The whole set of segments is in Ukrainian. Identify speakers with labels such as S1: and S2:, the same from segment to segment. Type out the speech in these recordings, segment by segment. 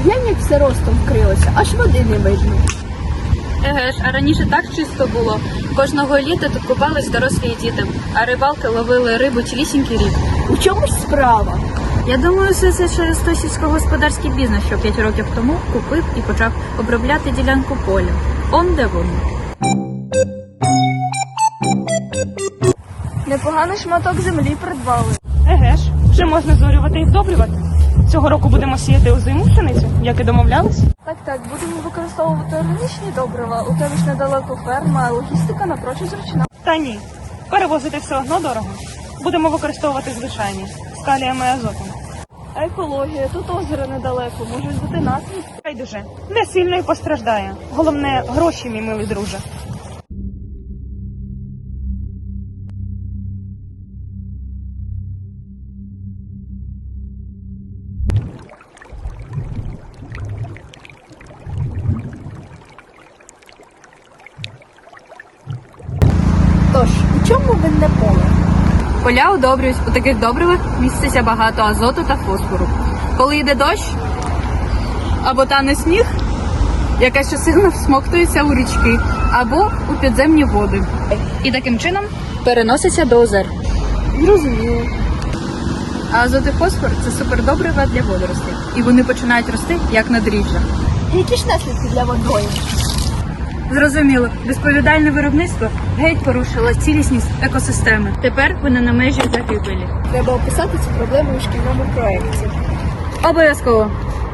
S1: Глянь, як все ростом вкрилося, аж води не видно.
S2: Еге ж, а раніше так чисто було. Кожного літа тут купались дорослі діти, а рибалки ловили рибу цілісінький рік.
S1: У чомусь справа.
S2: Я думаю, все це через той сільськогосподарський бізнес, що 5 років тому купив і почав обробляти ділянку поля. Он де воно.
S1: Непоганий шматок землі придбали.
S3: Еге ж, вже можна зорювати і вдобрювати. Цього року будемо сіяти озиму пшеницю, як і домовлялись.
S1: Так, будемо використовувати органічні добрива. У тебе ж недалеко ферма, а логістика напрочуд зручна.
S3: Та ні, перевозити все одно дорого. Будемо використовувати звичайні, з калієм і азотом.
S1: А екологія, тут озеро недалеко, може бути наслідки.
S3: Байдуже, не сильно і постраждає. Головне, гроші, мій милий друже.
S1: Тож, у чому винне поле?
S2: Поля удобрюють. У таких добривах міститься багато азоту та фосфору. Коли йде дощ або тане сніг, якась частина всмоктується у річки або у підземні води. І таким чином переноситься до озер.
S1: Зрозуміло.
S2: А азот і фосфор – це супердобрива для водоростей. І вони починають рости, як на дріжджах.
S1: Які ж наслідки для водою?
S2: Зрозуміло, безповідальне виробництво геть порушило цілісність екосистеми. Тепер вони на межі загибелі.
S1: Треба описати цю проблему у шкільному проєкті.
S2: Обов'язково.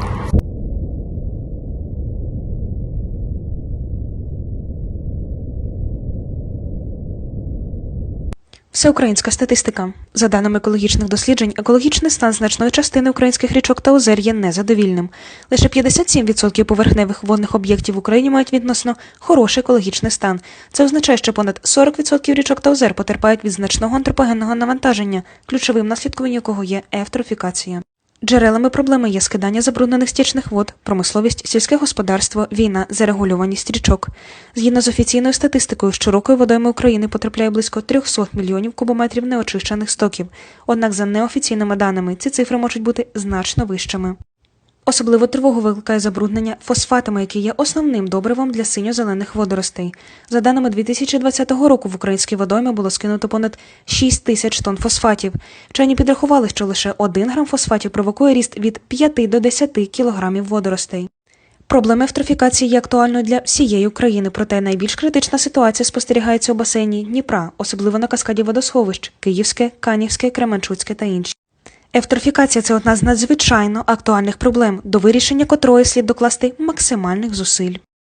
S4: Всеукраїнська статистика. За даними екологічних досліджень, екологічний стан значної частини українських річок та озер є незадовільним. Лише 57% поверхневих водних об'єктів в Україні мають відносно хороший екологічний стан. Це означає, що понад 40% річок та озер потерпають від значного антропогенного навантаження, ключовим наслідком якого є евтрофікація. Джерелами проблеми є скидання забруднених стічних вод, промисловість, сільське господарство, війна, зарегулюваність річок. Згідно з офіційною статистикою, щорокою водойми України потрапляє близько 300 мільйонів кубометрів неочищених стоків. Однак за неофіційними даними ці цифри можуть бути значно вищими. Особливо тривогу викликає забруднення фосфатами, які є основним добривом для синьо-зелених водоростей. За даними 2020 року в українські водойми було скинуто понад 6 тисяч тонн фосфатів. Вчені підрахували, що лише 1 грам фосфатів провокує ріст від 5 до 10 кілограмів водоростей. Проблема евтрофікації є актуальною для всієї України, проте найбільш критична ситуація спостерігається у басейні Дніпра, особливо на каскаді водосховищ – Київське, Канівське, Кременчуцьке та інші. Евтрофікація – це одна з надзвичайно актуальних проблем, до вирішення котрої слід докласти максимальних зусиль.